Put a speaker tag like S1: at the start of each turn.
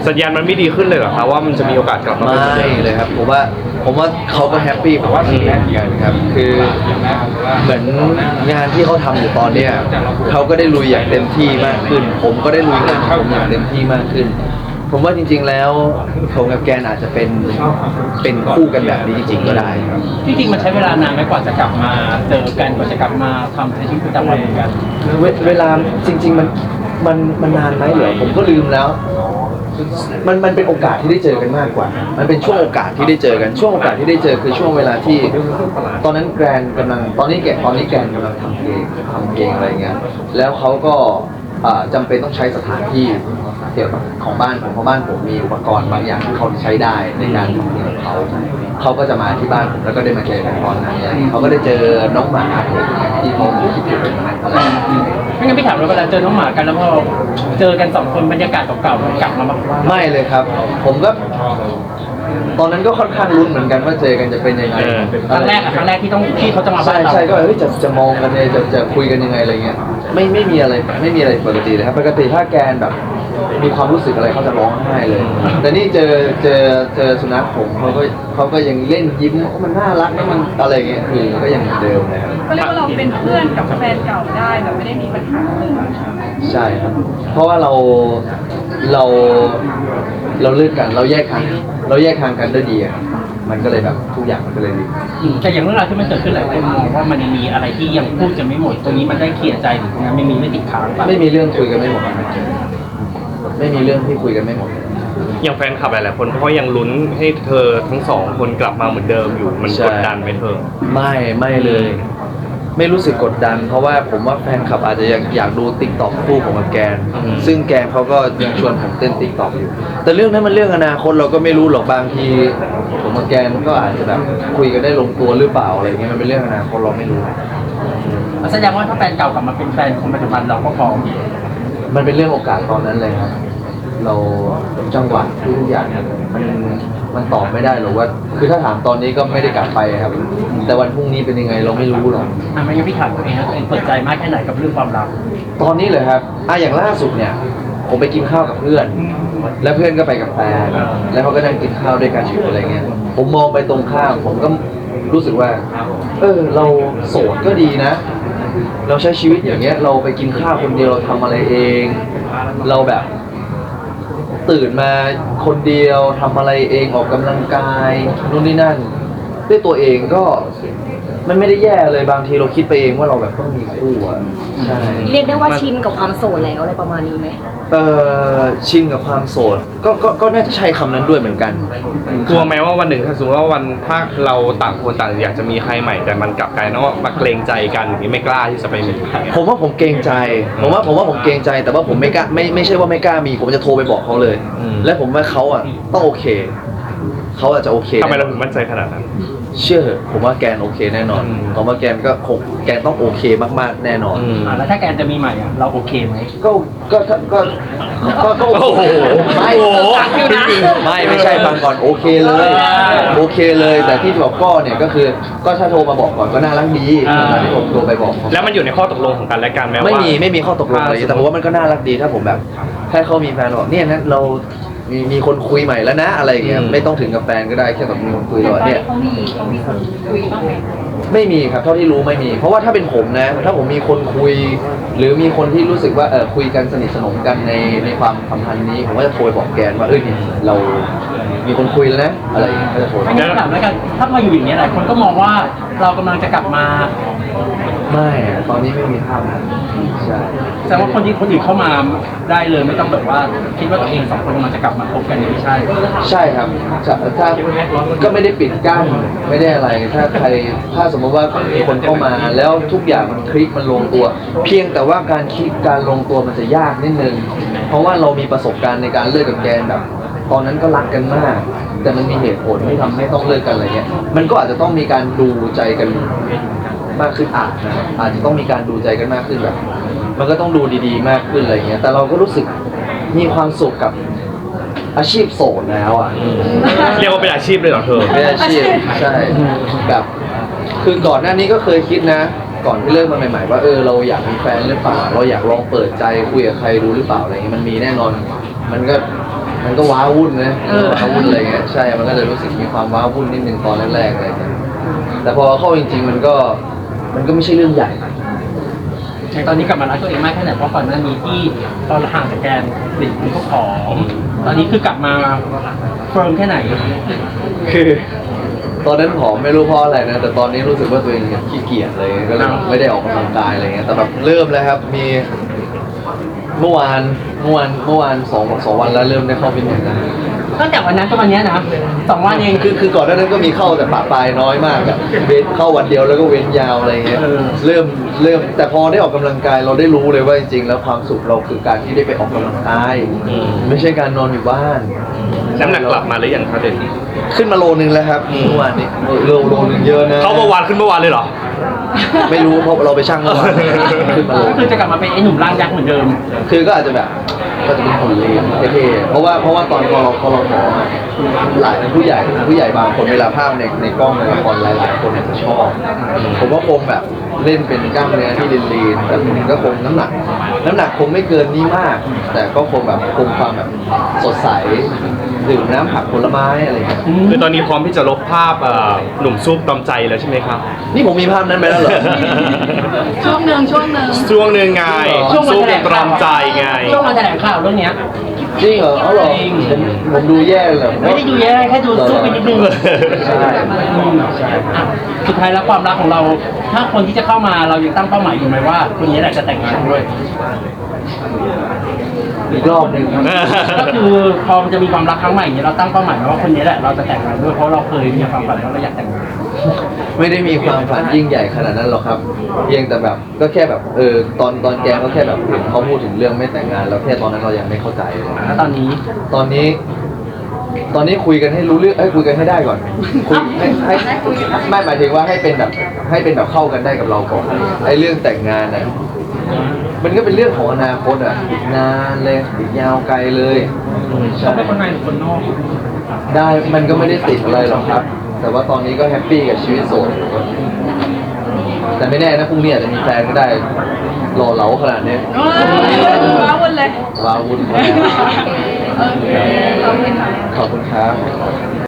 S1: สัญญาณมันไม่ดีขึ้นเลยเหรอครับว่ามันจะมีโอกาสกลับมา
S2: ไม่เลยครับผมว่าเขาก็แฮปปี้ผมว่าทีมเหมือนกันครับคือเหมือนงานที่เขาทำอยู่ตอนเนี้ยเขาก็ได้ลุยอย่างเต็มที่มากขึ้นผมก็ได้ลุยงานของผมอย่างเต็มที่มากขึ้นผมว่าจริงๆแล้วผมกับแกนอาจจะเป็นคู่กันแบบนี้จริงๆก็ได้ครับ
S3: จริงๆมันใช้เวลานานไหมกว่าจะกลับมาเจอกันกว่าจะกลับมาทำในชีวิตประจำวันเหมือนกัน
S2: เวลาจริงๆมันนานไหมเหรอผมก็ลืมแล้วมันเป็นโอกาสที่ได้เจอกันมากกว่ามันเป็นช่วงโอกาสที่ได้เจอกันช่วงโอกาสที่ได้เจอคือช่วงเวลาที่ตอนนั้นแกรนกำลังตอนนี้แกนกำลังทำเพลงอะไรเงี้ยแล้วเขาก็จำเป็นต้องใช้สถานที่เกี่ยวกับของบ้านผมเพราะบ้านผมมีอุปกรณ์บางอย่างที่เขาใช้ได้ในการทำเพลงของเขาก็จะมาที่บ้านผมแล้วก็ได้มาเจอกันตอนนั้นเขาก็ได้เจอน้องหมาที่เขาคิดถึงอะไร
S3: ไม่งั้นพี่ถามเราเวลาเจอน้องหมากันแล้วพอเจอกัน2 คนบรรยากาศเก่าๆมันกลับมาบ้าง
S2: ไม่เลยครับผมก็ตอนนั้นก็ค่อนข้างลุ้นเหมือนกันว่าเจอกันจะเป็นยังไง
S3: ครั้งแรกที่เขาจะมาบ้านเรา
S2: ใช่ก็จะมองกันเลยจะคุยกันยังไงอะไรเงี้ยไม่มีอะไรปกติเลยครับปกติถ้าแกนแบบมีความรู้สึกอะไรเขาจะร้องไห้เลยแต่นี่เจอสุนัขผมเขาก็ยังเล่นยิ้มมันน่ารักนะมันอะไรเงี้ยคือก็ยังเหมือนเดิมนะครับ
S4: ก็เรียกว่าเราเป็นเพื่อนกับแฟนเก่าได้แบบไม่ได้มีปัญหาเลย
S2: ใช่ครับเพราะว่าเราเลิกกันเราแยกทางกันด้วยดีอะมันก็เลยแบบทุกอย่างมันก็เลยดี
S3: แต่อย่างเรื่องราวที่มันเกิดขึ้นหลายคนมองว่ามันยังมีอะไรที่ยังพูดจะไม่หมดตรงนี้มันได้เคลียร์ใจหรือตรงนั้นไม่ติดค้าง
S2: ไม่มีเรื่องคุยกันไม่หมดไม่มีเรื่องที่คุยกันไม่หมด
S1: อย่างแฟนคลับหลายๆคนเขายังลุ้นให้เธอทั้งสองคนกลับมาเหมือนเดิมอยู่มันกดดันไหมเธอ
S2: ไม่เลยไม่รู้สึกกดดันเพราะว่าผมว่าแฟนคลับอาจจะอยากดูติ๊กต็อกคู่ของแกนซึ่งแกนเขาก็ยังชวนผมเต้นติ๊กต็อกอยู่แต่เรื่องนั้นมันเรื่องอนาคตเราก็ไม่รู้หรอกบางทีผมกับแกนก็อาจจะแบบคุยกันได้ลงตัวหรือเปล่าอะไรเงี้ยมันเป็นเรื่องอนาคตเราไม่รู้
S3: แสดงว่าถ้าแฟนเก่ากลับมาเป็นแฟนคนปัจจุบันเราก็พร้อม
S2: มันเป็นเรื่องโอกาสตอนนั้นเลยครับเราจังหวะทุกอย่างมันตอบไม่ได้หรอกว่าคือถ้าถามตอนนี้ก็ไม่ได้กลับไปครับแต่วันพรุ่งนี้เป็นยังไงเราไม่รู้หรอก
S3: ไม่งั้นพี่ถามตัวเองนะเปิดใจมากแค่ไหนกับเรื่องความรัก
S2: ตอนนี้เลยครับอย่างล่าสุดเนี่ยผมไปกินข้าวกับเพื่อนแล้วเพื่อนก็ไปกับแฟนแล้วเขาก็นั่งกินข้าวด้วยกันอยู่อะไรเงี้ยผมมองไปตรงข้ามผมก็รู้สึกว่าเราโสดก็ดีนะเราใช้ชีวิตอย่างเงี้ยเราไปกินข้าวคนเดียวเราทำอะไรเองเราแบบตื่นมาคนเดียวทำอะไรเองออกกำลังกายนู่นนี่นั่นด้วยตัวเองก็มันไม่ได้แย่เลยบางทีเราคิดไปเองว่าเราแบบต้องมีคู่อ่ะใช่
S4: เรียกได้ว่าชินกับความโสดแล้วอะไรประมาณนี้ไหม
S2: ชินกับความโสดก็น่าจะใช้คำนั้นด้วยเหมือนกัน
S1: กลัวไหมว่าวันหนึ่งถ้าสมมติว่าถ้าเราต่างคนต่างอยากจะมีใครใหม่แต่มันกลับกลายเป็นว่ามาเกรงใจกันอย่างนี้ไม่กล้าที่จะไปมี
S2: ผมว่าผมเกรงใจผมว่าผมเกรงใจแต่ว่าผมไม่กล้าไม่ใช่ว่าไม่กล้ามีผมจะโทรไปบอกเขาเลยและผมว่าเขาอ่ะต้องโอเคเขาอาจจะโอเค
S1: ทำไมเราถึงมั่นใจขนาดนั้น
S2: เชื่อผมว่าแกนโอเคแน่นอนผมว่าแกนก็คงแกนต้องโอเคมากๆแน่นอน
S3: แล้วถ้าแกนจะมีใหม่อ่ะเราโอเคไหม
S2: ก็โอ้โหไม่ใช่ฟังก่อนโอเคเลยแต่ที่บอกก็เนี่ยก็คือก็ถ้าโทรมาบอกก่อนก็น่ารักดีที่ผมโทรไปบอก
S1: แล้วมันอยู่ในข้อตกลงของกันและกันไหมว่า
S2: ไม่มีข้อตกลงอะไรแต่ผมว่ามันก็น่ารักดีถ้าผมแบบถ้าเขามีแฟนบอกเนี่ยนะเรามีคนคุยใหม่แล้วนะอะไรอย่างเงี้ยไม่ต้องถึงกับแฟนก็ได้แค่แบบมีคนคุยแล้วเนี่ยไม่มีครับเท่าที่รู้ไม่มีเพราะว่าถ้าเป็นผมนะถ้าผมมีคนคุยหรือมีคนที่รู้สึกว่าคุยกันสนิทสนมกันในความสัมพันธ์นี้ผมก็จะโทรบอกแกนว่าเนี่ยเรามีคนคุยแล้วนะอะไรอย่างเงี้ยก็จะโทร
S3: งั้นถามแล้วกันถ้ามาอยู่อย่างนี้หลายคนก็มองว่าเรากำลังจะกลับมา
S2: ไม่ตอนนี้ไม่มีภาพนั้นใช่
S3: แต่ว่าคนอื่นเข้ามาได้เลยไม่ต้องแบบว่าคิดว่าตัวเอง2 คนมันจะกลับมาพบกันไม่ใช่
S2: ใช่ครับถ้าก็ไม่ได้ปิดกั้นไม่ได้อะไรถ้าสมมติว่ามีคนเข้ามาแล้วทุกอย่างมันคลิกมันลงตัวเพียงแต่ว่าการลงตัวมันจะยากนิดนึงเพราะว่าเรามีประสบการณ์ในการเลิกกับแกนแบบตอนนั้นก็รักกันมากแต่มันมีเหตุผลที่ทำให้ต้องเลิกกันอะไรเงี้ยมันก็อาจจะต้องมีการดูใจกันมากขึ้นอาจจะต้องมีการดูใจกันมากขึ้นแบบมันก็ต้องดูดีๆมากขึ้นอะไรเงี้ยแต่เราก็รู้สึกมีความสุขกับอาชีพโสดแล้วอ่ะ
S1: เรียกว่าเป็นอาชีพเลยเหรอเธอ
S2: เป็นอาชีพใช่แบบคือก่อนหน้านี้ก็เคยคิดนะก่อนที่เลิกมาใหม่ๆว่าเราอยากมีแฟนหรือเปล่าเราอยากลองเปิดใจคุยกับใครดูหรือเปล่าอะไรเงี้ยมันมีแน่นอนมันก็มันก็ว้าวุ่นนะว้าวุ่นอะไรเงี้ยใช่มันก็จะรู้สึกมีความว้าวุ่นนิดนึงตอนแรกๆอะไรเงี้ยแต่พอเข้าจริงๆมันก็ไม่ใช่เรื่องใหญ่
S3: ในตอนนี้กลับมารักตัวเองมากแค่ไหนเพราะก่อนหน้านี้ที่ตอนห่างจากแกนติดคุณก็ผอมตอนนี้คือกลับมาเฟิร์มแค่ไหน
S2: คือตอนนั้นผอมไม่รู้เพราะอะไรนะแต่ตอนนี้รู้สึกว่าตัวเองขี้เกียจเลยก็เลยไม่ได้ออกกำลังกายอะไรเงี้ยแต่แบบเริ่มแล้วครับมีเมื่อวานสองวันแล้วเริ่มได้เข้าฟิตเนสแล้ว
S3: ตั้งแต่วันนั้นจนวันนี้นะ2 วันเอง
S2: คือก่อนหน้านั้นก็มีเข้าแต่ปะปลายน้อยมากอะเว้นเข้าวันเดียวแล้วก็เว้นยาวอะไรเงี้ยเริ่มแต่พอได้ออกกำลังกายเราได้รู้เลยว่าจริงๆแล้วความสุขเราคือการที่ได้ไปออกกำลังกายไม่ใช่การนอนอยู่บ้าน
S1: น้ำหนักกลับมาหรือยังครับเด่น
S2: ขึ้นมาโลนึงแล้วครับเมื่อวานนี้โลนึงเยอะนะ
S1: เขาเมื่อวานขึ้นเมื่อวานเลยเหรอ
S2: ไม่รู้เพราะเราไปชั่งเมื่อวานขึ้นมาโล
S3: ก็คือจะกลับมาเป็นไอ้หนุ่มร่างยักษ์เหมือนเดิม
S2: คือก็อาจจะแบบก็จะเป็นหุ่นเลนเท่ๆเพราะว่าตอนพอเราผอมอะหลายผู้ใหญ่บางคนเวลาภาพในกล้องในละครหลายๆคนเนี่ยจะชอบผมว่าคงแบบเล่นเป็นกล้ามเนื้อที่ลีนๆแต่ผมก็คงน้ำหนักคงไม่เกินนี้มาก แต่ก็คงแบบคงความแบบสดใสดื่มน้ำผักผลไม้อะไรอย่างเงี้ย
S1: คือตอนนี้พร้อมที่จะลบภาพหนุ่มซุปตอมใจแล้วใช่ไหมครับ
S2: นี่ผมมีภาพนั้นไปแล้วเหรอ
S4: ช่วงหนึ่ง
S1: ช่วงหนึ่งไง
S3: ช่วงวัน
S1: ซุป
S3: แถลง
S1: ตร
S3: ข่า
S1: อ
S3: ว
S1: มใจไง
S3: ช่วงวันแถลงข่าวเรื่องเนี้ย
S2: จริงเหรอเอาเหรอผมดูแย่เลย
S3: ไม่ได้ดูแย่แค่ดูสู้ไปนิดนึง
S2: ใช่
S3: อ่ะสุดท้ายแล้วความรักของเรา ถ้าคนที่จะเข้ามาเรายังตั้งเป้าหมายอยู่ไหมว่าคนนี้แหละจะแต่งงานด้วย
S2: อีกรอบหนึ่ง
S3: ก็คือพอมันจะมีความรักครั้งใหม่เนี่ยเราตั้งเป้าหมายไว้ว่าคนนี้แหละเราจะแต่งงานด้วยเพราะเราเคยมีความฝันว่าเราอยากแต่งงาน
S2: ไม่ได้มีความฝันยิ่งใหญ่ขนาดนั้นหรอกครับเพียงแต่แบบก็แค่แบบตอนแกก็แค่แบบเห็นเขาพูดถึงเรื่องไม่แต่งงานแล้วแค่ตอนนั้นเรายังไม่เข้าใจเลย
S3: แล้วตอนนี้
S2: ตอนนี้คุยกันให้รู้เรื่องคุยกันให้ได้ก่อนคุยให้ไม่หมายถึงว่าให้เป็นแบบเข้ากันได้กับเราก่อนไอ้เรื่องแต่งงานน่ะมันก็เป็นเรื่องของอนาคตอ่ะอีกนานเลยอีกยาวไกลเลยใช่
S3: เขาเป็นคนในหรือคนนอก
S2: ได้มันก็ไม่ได้ติดอะไรหรอกครับ แต่ว่าตอนนี้ก็แฮปปี้กับชีวิตโสดแต่ไม่แน่นะพรุ่งนี้อาจจะมีแฟนก็ได้หล่อเหลาขนาดนี้
S4: ว้าวุ่นเลย
S2: ว้าวุ่น
S4: โอเคขอบคุณค่ะ
S2: ขอบคุณครับ